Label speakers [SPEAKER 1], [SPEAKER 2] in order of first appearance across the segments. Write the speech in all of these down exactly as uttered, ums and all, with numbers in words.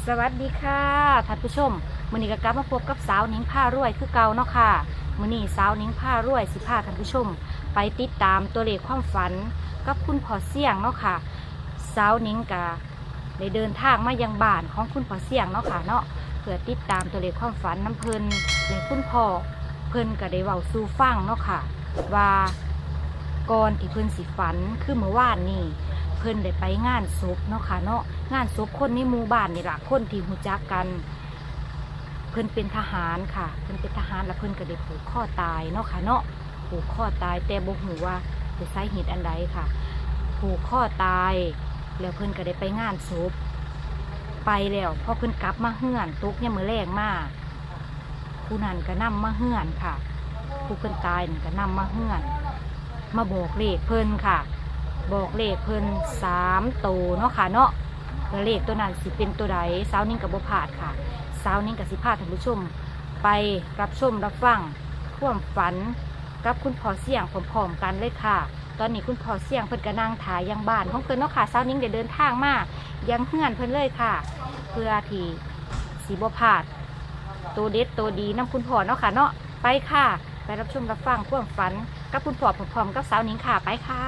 [SPEAKER 1] สวัสดีค่ะท่านผู้ชมมื้อนี้ก็กลับมาพบกับสาวนิ้งผ้ารวยคือเก่าเนาะค่ะมื้อนี้สาวนิ้งผ้ารวยสิพาท่านผู้ชมไปติดตามตัวเลขความฝันกับคุณพ่อเสี่ยงเนาะค่ะสาวนิ้งก็ได้เดินทางมายังบ้านของคุณพ่อเสี่ยงเนาะค่ะเนาะเพื่อติดตามตัวเลขความฝันน้ำเพลินและคุณพ่อเพิ่นก็ได้เว้าสู่ฟังเนาะค่ะว่าก่อนที่เพิ่นสิฝันคือเมื่อวานนี้เพิ่นได้ไปงานศพเนาะค่ะเนาะงานศพคนในหมู่บ้านนี่ล่ะคนที่รู้จักกันเพิ่นเป็นทหารค่ะเพิ่นเป็นทหารแล้วเพิ่นก็ได้ผูกข้อตายเนาะค่ะเนาะผูกข้อตายแต่บ่ฮู้ว่าเป็นสาเหตุอันใดค่ะผูกข้อตายแล้วเพิ่นก็ได้ไปงานศพไปแล้วพอเพิ่นกลับมาเฮือนตกยามมื้อแลงมาผู้นั้นก็นำมาเฮือนค่ะผู้เพิ่นตายนั่นก็นำมาเฮือนมาบอกเลขเพิ่นค่ะบอกเลขเพิ่นสามตัวเนาะค่ะเนาะแล้วเลขตัวนั้นสิเป็นตัวใดสาวนิ่งกับบ่พลาดค่ะสาวนิ่งกับสิพาท่านผู้ชมไปรับชมรับฟังความฝันกับคุณพ่อเสี่ยงพร้อมๆกันเลยค่ะตอนนี้คุณพ่อเสี่ยงเพิ่นก็นั่งถ่ายยังบ้านของเพิ่นเนาะค่ะสาวนิ่งได้เดินทางมายังเฮือนเพิ่นเลยค่ะเพื่อที่สิบ่พลาดตัวเด็ดตัวดีนำคุณพ่อเนาะค่ะเนาะไปค่ะไปรับชมรับฟังความฝันกับคุณพ่อพร้อมๆกับสาวนิ่งค่ะไปค่ะ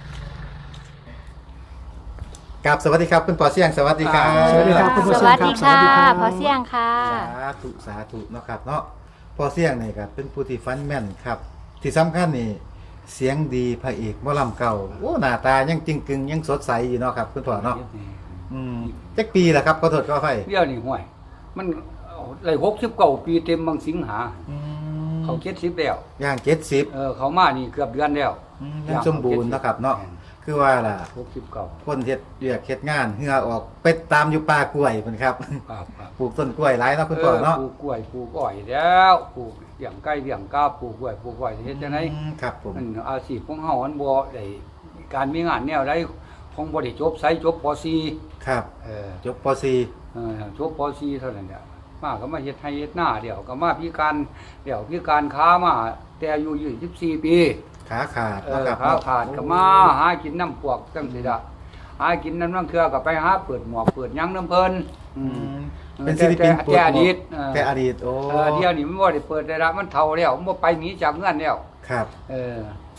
[SPEAKER 2] กับสวัสดีครับคุณพ่อเสี่ยงสวัสดีครับ
[SPEAKER 3] สวัสดีครับคุณพ่อ
[SPEAKER 1] ส
[SPEAKER 3] เสี่ยง
[SPEAKER 1] วัสดีค่ะ
[SPEAKER 3] ครับ
[SPEAKER 1] พ่อเสี่ยงค่ะ
[SPEAKER 2] สาธุสาธุเนาะครับเนาะพ่อเสี่ยงนี่ครับเป็นผู้ที่ฟันแม่นครับ ที่สำคัญนี่เสียงดีพระเอกหมอลำเก่าโอ้หน้าตายังจริงกึงยังสดใสอยู่เนาะครับคุณพ่อเนาะอืมจักปีละครับขอโทษขออภัย
[SPEAKER 3] เดี๋ยวนี่ห่วย มันเลยหกสิบเก้าปีเต็มบางสิงหา
[SPEAKER 2] อืม
[SPEAKER 3] เขาเจ็ดสิบแล้ว
[SPEAKER 2] ย่างเจ็ดสิบ
[SPEAKER 3] เออเขามานี่เกือบเดือนแล้ว
[SPEAKER 2] ยังสมบูรณ์เนาะครับเนาะคือว่าล่ะ
[SPEAKER 3] หกสิบเก้า
[SPEAKER 2] คนเฮ็ดเรียกเฮ็ดงานเหือออกไปตามอยู่ป่ากล้วยเพิ่นครับ
[SPEAKER 3] ครับครับ
[SPEAKER 2] ปลูกต้นกล้วยหลายเนาะคุณพ่อเนาะ
[SPEAKER 3] ปลูกกล้วยปลูกอ้อยแล้วปลูกเลี้ยงไก่เลี้ยงกาปลูกกล้วยปลูกอ้อยเฮ็ดจังได๋
[SPEAKER 2] อืมครับผม
[SPEAKER 3] มันอาชีพของเฮามันบ่ได้การมีงานแนวใดของบ่ได้จบไสจบป .สี่
[SPEAKER 2] ครับ
[SPEAKER 3] เออ
[SPEAKER 2] จบป .สี่
[SPEAKER 3] เออจบป .สี่ เท่านั้นแหละมาก็มาเฮ็ดไร่เฮ็ดนาเดี๋ยวก็มาพิการเดี๋ยวพิการค้ามาแต่อายุยี่สิบสี่ปี
[SPEAKER 2] ขาขาด
[SPEAKER 3] เอ
[SPEAKER 2] เนาะ
[SPEAKER 3] อ
[SPEAKER 2] ครับ
[SPEAKER 3] ค้า
[SPEAKER 2] เนาะ
[SPEAKER 3] ขาดก็มาหากินน้ำพวกจังซี่ล่ะหากินน้ำน้ำเทื่อก็ไปหาเปิดหมวกเปิดหยังน้ำเพิ่นอื
[SPEAKER 2] อื
[SPEAKER 3] ม
[SPEAKER 2] มเป็นศิลปิน
[SPEAKER 3] แต่แต่อดีตเออ
[SPEAKER 2] แต่อดีตโอ้
[SPEAKER 3] เออเดี๋ยวนี้มันบ่ได้เปิดได้ละมันเฒ่าแล้วมันบ่ไปหนีจากเงินแล้ว
[SPEAKER 2] ครับ
[SPEAKER 3] เออบ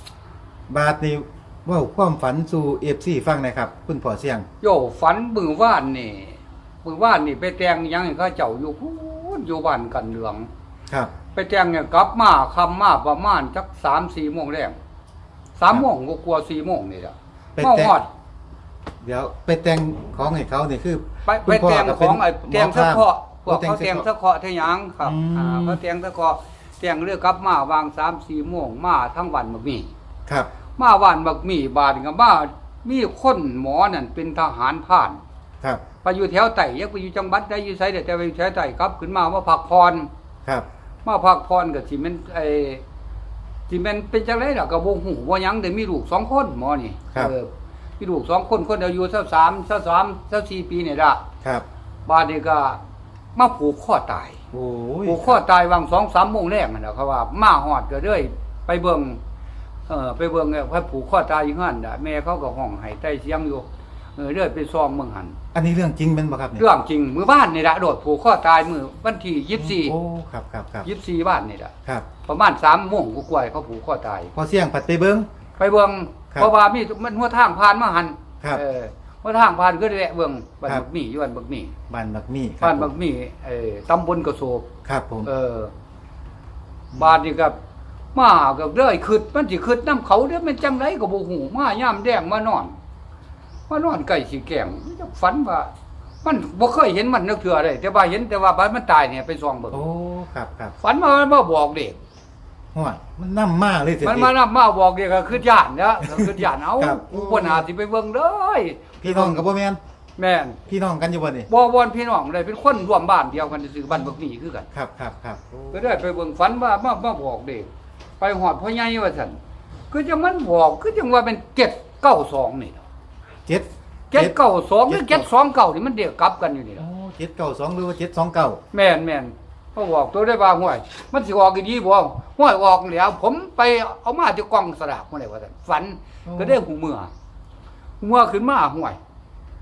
[SPEAKER 2] าทนี้เว้าความฝันสู่ เอฟ ซี ฟังหนะครับ คุณพ่อเสี่ยง
[SPEAKER 3] โยฝันมื้อวานนี่มื้อวานนี่ไปแต่งหยังให้เขาเจ้าอยู่พูนอยู่บ้านกันเหลือง
[SPEAKER 2] ครับ
[SPEAKER 3] ไปแต่งเนี่ยกลับมาค่ำมาประมาณจัก สามสี่โมงแรงสามโมงก็กลัวสี่โมงนี่ล่ะ
[SPEAKER 2] ไป
[SPEAKER 3] มา
[SPEAKER 2] แต่ง
[SPEAKER 3] ฮอด
[SPEAKER 2] เดี๋ยวไปแต่งของให้เขานี่คือ
[SPEAKER 3] ไป
[SPEAKER 2] คุ
[SPEAKER 3] ไป
[SPEAKER 2] ณพ่
[SPEAKER 3] แต่ง
[SPEAKER 2] ก็
[SPEAKER 3] ข
[SPEAKER 2] เป็น
[SPEAKER 3] องไอ้แต่ง
[SPEAKER 2] หม
[SPEAKER 3] สะ
[SPEAKER 2] พร
[SPEAKER 3] เคาะพวก
[SPEAKER 2] โอ้
[SPEAKER 3] เขาแต่งสะเคาะเทหยังครับ
[SPEAKER 2] อืม
[SPEAKER 3] อ่าเขาแต่งสะเคาะแต่งเรือกับมาวางสามสี่โมงมาทั้งวันบักมี
[SPEAKER 2] ครับ
[SPEAKER 3] มาวันบักมีบาดกับมามีคนหมอนั่นเป็นทหารผ่าน
[SPEAKER 2] ครับ
[SPEAKER 3] ไปอยู่แถวไต่ยังไปอยู่จังหวัดได้อยู่ไสแต่ไปอยู่แถวไต่ครับขึ้นมาว่าพักพร
[SPEAKER 2] ครับ
[SPEAKER 3] มาพักพรก็สิแม่นไอ้สิแม่นเป็นจังได๋ล่ะก็บ่ฮู้ว่าหยังแต่มีลูกสองคนหมอนี่
[SPEAKER 2] ครับ
[SPEAKER 3] เออมีลูกสองคนคนอายุสักสามสักสามสักสี่ปีนี่ล่ะ
[SPEAKER 2] ครับ
[SPEAKER 3] บาดนี้ก็มาผูกข้อตาย
[SPEAKER 2] โอ้ย
[SPEAKER 3] ผูกข้อตายวัง สองสามโมงแรกนั่นน่ะเขาว่ามาฮอดก็เลยไปเบิ่งเออไปเบิ่งเนี่ยเขาผูกข้อตายอยู่หั่นน่ะแม่เขาก็ห้องให้ใต้เสียงอยู่เออเลื่อยไปซองเมืองหัน
[SPEAKER 2] อันนี้เรื่องจริงเป็นบ่ครับเนี่ย
[SPEAKER 3] เรื่องจริงมื้อบ้านนี่ล่ะโดดผูกข้อตายมื้อวันที่ยี่สิบสี่
[SPEAKER 2] โอ้ครับครับครับ
[SPEAKER 3] ยี่สิบสี่บ้านนี่ล่ะ
[SPEAKER 2] ครับ
[SPEAKER 3] ประมาณสามโมงกว่าๆเขาผูกข้อตาย
[SPEAKER 2] พอเสี่ยงผัดไปเบิ่ง
[SPEAKER 3] ไปเบิ่ง
[SPEAKER 2] ครับ
[SPEAKER 3] เพราะว่ามีมันหัวทางผ่านมาหัน
[SPEAKER 2] ครับ
[SPEAKER 3] เออหัวทางผ่านก็ได้แวะเบิ่งบ้าน
[SPEAKER 2] ครับ
[SPEAKER 3] บักหมี่อยู่บ้านบักหมี่
[SPEAKER 2] บ้านบักมี่ครับ
[SPEAKER 3] บ้านบักหมี่เออตำบลกระโสบ
[SPEAKER 2] ครับผม
[SPEAKER 3] เออบ้านนี่ก็มาก็เลยขึ้นมันสิขึ้นน้ำเขาเด้อมันจังไดก็บ่ฮู้มายามแดงมานอนมานอนใกล้สิแกล้งฝันว่า มันบ่เคยเห็นมันนึกเทื่อเลยแต่ว่าเห็นแต่ว่าบ้านมันตายเนี่ยไปส่องเบิ่ง
[SPEAKER 2] โอ้ครับครับ
[SPEAKER 3] ฝันว่ามันมาบอกเด็ก
[SPEAKER 2] ห้วยมันนำมาเลยสิ
[SPEAKER 3] มันมานำมาบอกเด็กก็คือย่านเด้อก็คือย่านเอา
[SPEAKER 2] ครับ
[SPEAKER 3] กูบ่น่าสิไปเบิ่งเลย
[SPEAKER 2] พี่น้องก็บ่แม่น
[SPEAKER 3] แม่น
[SPEAKER 2] พี่น้องกันอยู่บ่นี่
[SPEAKER 3] บ่วอนพี่น้องเลยเป็นคนร่วมบ้านเดียวกันซื่อๆบ้านบักหมี่คือกัน
[SPEAKER 2] ครับครับครับโอ้
[SPEAKER 3] ก็ได้ไปเบิ่งฝันว่ามามาบอกเด็กไปหอดพ่อใหญ่ว่าซั่นคือจังมันบอกคือจังว่าเป็นเจ็ดเก้าสองนี่ล่ะ
[SPEAKER 2] เจ็ด
[SPEAKER 3] เจ็ดเก้าสองหรือ
[SPEAKER 2] เจ็
[SPEAKER 3] เจ็
[SPEAKER 2] ด
[SPEAKER 3] ดสองเก้านี่มันเดียวกลับกันอยู่นี่
[SPEAKER 2] โอ้
[SPEAKER 3] ล่ะ
[SPEAKER 2] เจ็ดเก้าสองหรือว่าเจ็ดสองเก้า
[SPEAKER 3] แม่นแม่นเขาบอกตัวได้ว่าห้วยมันสิออกอีดีบ่ห้วยออกแล้ว ผมไปเอามาที่กองสลากมาได้ว่าซั่นฝันก็ได้หูเมื่อหูเมื่อขึ้นมาห้วย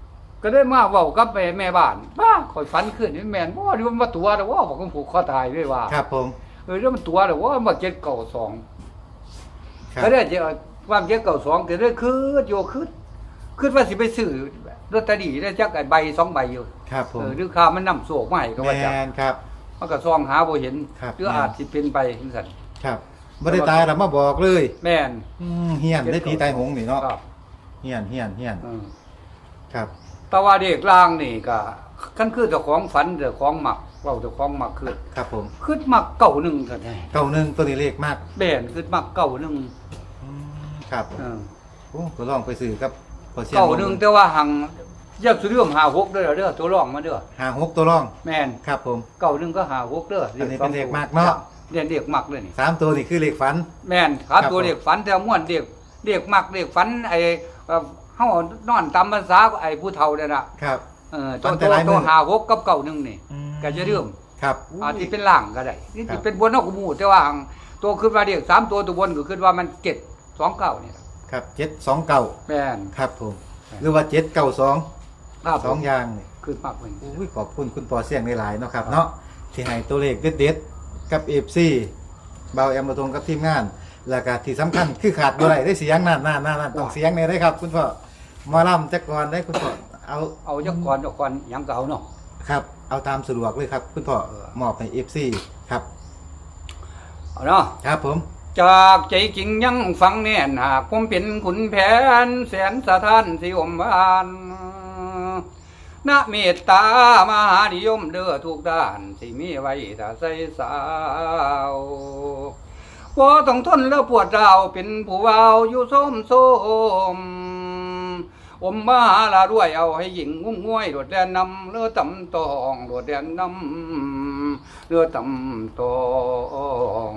[SPEAKER 3] ก็ได้มาเว้ากับแม่แม่บ้านบ้าข่อยฝันขึ้นนี่แม่นบ่นี่มันมาตัวแล้วว่าบอกของผูกคอตายด้วยว่า
[SPEAKER 2] ครับผม
[SPEAKER 3] เออแล้วมันตัวแล้วว่ามาเจ็ดเก้าสอง
[SPEAKER 2] ครับ
[SPEAKER 3] ก็ได้จะว่าเจ็ดเก้าสองก็ได้คือโยคือคือว่าสิไปซื้อลอตเตอรี่ได้จักไอ้ใบสองใบอยู่
[SPEAKER 2] ครับผม
[SPEAKER 3] เออหรือข่าวมันนำโศกมาให้ก็
[SPEAKER 2] แม
[SPEAKER 3] ว่าจัก
[SPEAKER 2] นครับ
[SPEAKER 3] มันก็ซองหาบ่เห็น
[SPEAKER 2] ครับ
[SPEAKER 3] หรืออาจสิเป็นไปจังซั่น
[SPEAKER 2] ครับบ่ได้ตายแล้วมาบอกเลย
[SPEAKER 3] แม่น
[SPEAKER 2] อืมเฮียนได้ผีตายหงนี่เนาะ
[SPEAKER 3] ครับ
[SPEAKER 2] เฮียนเฮียนเฮียน
[SPEAKER 3] เออ
[SPEAKER 2] ครับ
[SPEAKER 3] แต่ว่าเด็กลางนี่ก็คันคือเจ้าของฝันเจ้าของมักเว้าเจ้าของมักคือ
[SPEAKER 2] ครับผม
[SPEAKER 3] คือมักเก่าหนึงเท่านั้น
[SPEAKER 2] เก้าหนึ่งตัวนี้เลขมาก
[SPEAKER 3] แม่นคือมักเก่าหนึง
[SPEAKER 2] อืมครับ
[SPEAKER 3] เออ
[SPEAKER 2] โอ้ก็ลองไปซื้อกับพอเสียง
[SPEAKER 3] เก่าหนึงแต่ว่าหังอยากสิเรื่องหาหกเด้อเด้อตัวรองมาเด้อ
[SPEAKER 2] หาหกตัวรอง
[SPEAKER 3] แม่น
[SPEAKER 2] ครับผม
[SPEAKER 3] เก่าหนึงก็หาหกเด้อ
[SPEAKER 2] อันนี้
[SPEAKER 3] สง
[SPEAKER 2] เป็นเลข
[SPEAKER 3] ตัว
[SPEAKER 2] มากเนาะ
[SPEAKER 3] เรียนเด็กมักเลยนี่
[SPEAKER 2] สามตัวนี่คือเลขฝัน
[SPEAKER 3] แม่นครับ
[SPEAKER 2] ครับ
[SPEAKER 3] ตัวเด็กฝันแต่ม่วนเด็กเด็กมักเด็กฝันไอ้เอ่อเฮานอนตามภาษาไอ้ผู้เฒ่านั่นน่ะ
[SPEAKER 2] ครับ
[SPEAKER 3] เออ
[SPEAKER 2] ฝั
[SPEAKER 3] ตัวน
[SPEAKER 2] แต่
[SPEAKER 3] ตัว
[SPEAKER 2] หลายมื้
[SPEAKER 3] ตั
[SPEAKER 2] อ
[SPEAKER 3] วหาหกกับเก่าหนึงนี่
[SPEAKER 2] อืม
[SPEAKER 3] ก็จะเรื่อง
[SPEAKER 2] ครับ
[SPEAKER 3] อาจสิเป็นล่างก็ได้นี่
[SPEAKER 2] ครั
[SPEAKER 3] สิ
[SPEAKER 2] บ
[SPEAKER 3] เป็นบนนอกกหมู่แต่ว่าหังตัวขึ้นมาเด็กสามตัวตัวบนก็ขึ้นว่ามันเจ็ดสองเก้านี่ล่ะ
[SPEAKER 2] ครับเจ็ดสองเก้า
[SPEAKER 3] แม่น
[SPEAKER 2] ครับผม หรือว่าเจ็ดเก้าสอง
[SPEAKER 3] ครับ
[SPEAKER 2] สองอย่างนี่
[SPEAKER 3] ขึ้นมากเลย
[SPEAKER 2] อุ้ยขอบคุณคุณปอเสียงหลายๆเนาะครับเนาะที่ให้ตัวเลขเด็ดๆกับ เอฟ ซี เบาแอมมาทงกับทีมงาน แล้วก็ที่สำคัญคือขาดบ่ได้ได้เสียงนั่นนั่นนั่นนั่นต้องเสียงเนี่ยได้ครับ คุณพ่อหมาล่ำจักก่อนได้คุณพ่อเอา
[SPEAKER 3] เอาจักก่อนจักก่อนหยังเก่าเนาะ
[SPEAKER 2] ครับ เอาตามสะดวกเลยครับ คุณพ่อ
[SPEAKER 3] เออ
[SPEAKER 2] มอบให้ เอฟ ซี ครับ
[SPEAKER 3] เอาเนาะ
[SPEAKER 2] ครับผม
[SPEAKER 3] จากใจจริงยังฟังแน่นหากผมเป็นขุนแผนแสนสะท้านสิอมบานนะเมตตามหานิยมเด้อทุกด้านสิมีไว้ถ้าใส่สาวบ่ต้องทนแล้วปวดราวเป็นผู้วาวอยู่ส้มโสมอมมาลาด้วยเอาให้หญิงงุ้มง่วยโดดแดนนำเลือตำตองโดดแดนนำเลือตำตอง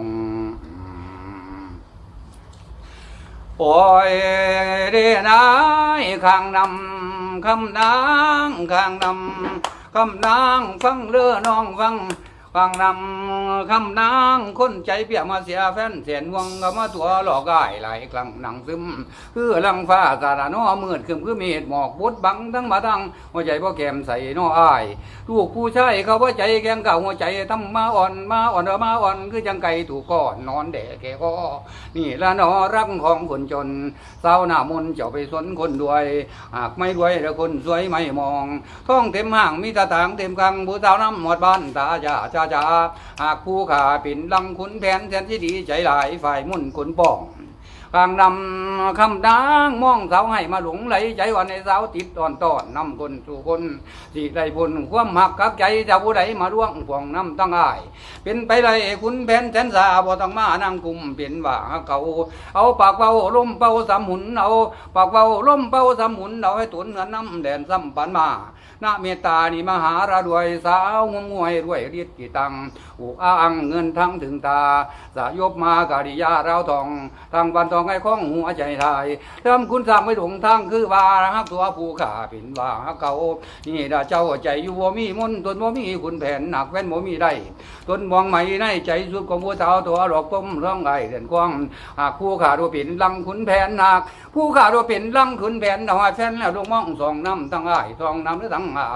[SPEAKER 3] โอ้ยเรนายข้างนำคำนางข้างนำคำนางฟังเลือน้องฟังฟังนำคำนางคนใจเปียกมาเสียแฟนเสียนวงก็มาตัวหลอกได้หลายครั้งหนังซึมคือลังฟ้าสาดน้อมืดคืมคือเมฆหมอกบดบังทั้งมาทั้งหัวใจพ่อแก้มใส่น้ออ้ายลูกผู้ชายเขาว่าใจแกงเก่าหัวใจทำมาอ่อนมาอ่อนเออมาอ่อนคือจังไก่ถูกก้อนนอนแดกแกก็นี่ละนอรักของคนจนเศร้าหน้ามนเจ้าไปสนคนรวยหากไม่รวยแล้วคนสวยไม่มองท้องเต็มห้างมีตาต่างเต็มกังผู้สาวน้ำหมดบ้านตาจ่าจ้าจ้าหากผู้ขาปิ่นลังขุนแผนแทนที่ดีใจหลายฝ่ายมุ่นขุนป้องกลางนำคำนางมองสาวให้มาหลงไหลใจวันในสาวติดตอนตอนนำคนสู่คนสิได้บุญความหักกับใจเจ้าผู้ใดมาร่วงพวงน้ำตั้งอาย เป็นไปไรขุนแผนแสนสาบ่ต้องมานั่งกุมเป็นว่าเขาเอาปากเป่าลมเป่าสามหุนเอาปากเป่าลมเป่าสามหุนเอาให้ตุนเงินน้ำแดนซ้ำปันมาณเมตตานี่มหาระรวยสาวงมงวยรวยเรียดกี่ตังอุกอ้างเงินทั้งถึงตาสายบมากาดิยาเราทองทางบันทองให้ข้องหัวใจทายเริ่มคุณสร้างไม่หลงทางคือว่าฮักตัวผู้ขาเป็นว่าฮักเก่านี่ดาเจ้าใจอยู่บ่มีมนตนบ่มีคุณแผนหนักแว่นบ่มีได้ตนมองไม่ในใจสุดของผู้สาวตัวหลอกต้มร้องไห้เดือนกว้างหากผู้ขาตัวเป็นลังขุนแผนหนักผู้ขาตัวเป็นลังขุนแผนเอาให้แฟนแล้วลงมองสองน้ำตั้งอ้ายสองน้ำหรือตั้งอ้าย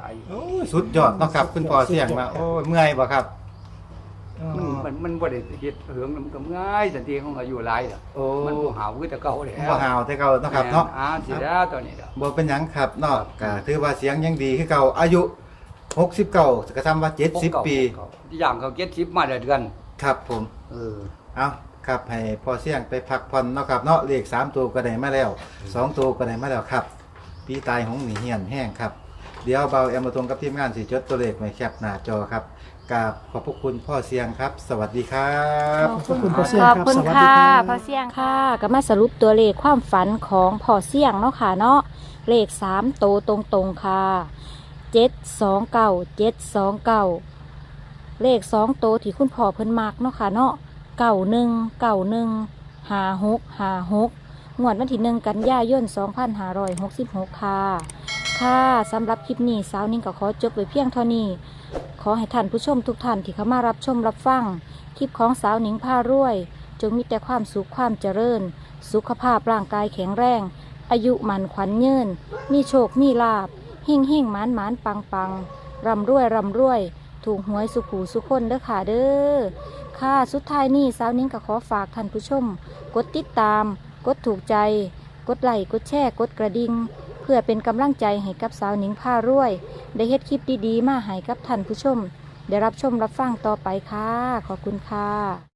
[SPEAKER 2] โอ้ยสุดยอดเนาะครับ คุณปอเสียงมาโอ้ยเมื่อยบ่ครับ
[SPEAKER 3] มันมันมันบ่ได้เฮ็ดเหืองมันก็ง่ายสันติของอายุหลายล่ะ
[SPEAKER 2] โอ้
[SPEAKER 3] มันบ่หาวคือแต่เก่าแล้ว
[SPEAKER 2] บ่หาวแต่เก่าเนาะครับเนาะ
[SPEAKER 3] อ่าสิแล้วตัวนี้เด้อ
[SPEAKER 2] บ่เป็นหยังครับเนาะก็ถือว่าเสียงยังดีคือเก่าอายุหกสิบเก้าก็ทำว่าเจ็ดสิบปี
[SPEAKER 3] อย่างเขาเก็ดสิบมาได้เดือน
[SPEAKER 2] ครับผม
[SPEAKER 3] เออ
[SPEAKER 2] เอาครับให้พอเสียงไปพักผ่อนเนาะครับเนาะเลขสามตัวก็ได้มาแล้วสองตัวก็ได้มาแล้วครับปีตายของหนีเหียนแห้งครับเดี๋ยวเบาแอมมาตรงกับทีมงานสิจดตัวเลขไว้แคปหน้าจอครับกราบขอบพระคุณพ่อเสียงครับ สวัสดีครับ
[SPEAKER 1] ขอบคุณ
[SPEAKER 4] ขอบคุณพ่อเสี่ยง
[SPEAKER 1] ขอบ
[SPEAKER 4] ครับ
[SPEAKER 1] คุณ
[SPEAKER 4] สวัสดี
[SPEAKER 1] ค่ะ
[SPEAKER 4] ครับ
[SPEAKER 1] พ่อเสี่ยงค่ะก็มาสรุปตัวเลขความฝันของพ่อเสี่ยงเนาะค่ะเนาะเลขสามโตวตรงๆค่ะเจ็ดสองเก้าเจ็ดสองเก้าเลขสองโตวที่คุณพ่อเพิ่นมักเนาะค่ะเนาะเก้าหนึ่งเก้าหนึ่งห้าหกห้าหกงวดวันที่หนึ่งกันยายนสองพันห้าร้อยหกสิบหกค่ะค่ะสำหรับคลิปนี้สาวนิ่งก็ขอจบไว้เพียงเท่านี้ขอให้ท่านผู้ชมทุกท่านที่เข้ามารับชมรับฟังคลิปของสาวหนิงพารวยจงมีแต่ความสุขความเจริญสุขภาพร่างกายแข็งแรงอายุมันขวัญยืนมีโชคมีลาภหิ่งหิ่งหมานหมานปังปังร่ำรวยร่ำรวย ถูกหวยสุขหูสุขคนเด้อค่ะเด้อค่ะสุดท้ายนี้สาวนิ้งก็ขอฝากท่านผู้ชม กดติดตาม กดถูกใจ กดไลค์กดแชร์กดกระดิ่งเพื่อเป็นกำลังใจให้กับสาวนิ้งผ้ารวย ได้เฮ็ดคลิปดีๆมาให้กับท่านผู้ชม ได้รับชมรับฟังต่อไปค่ะ ขอบคุณค่ะ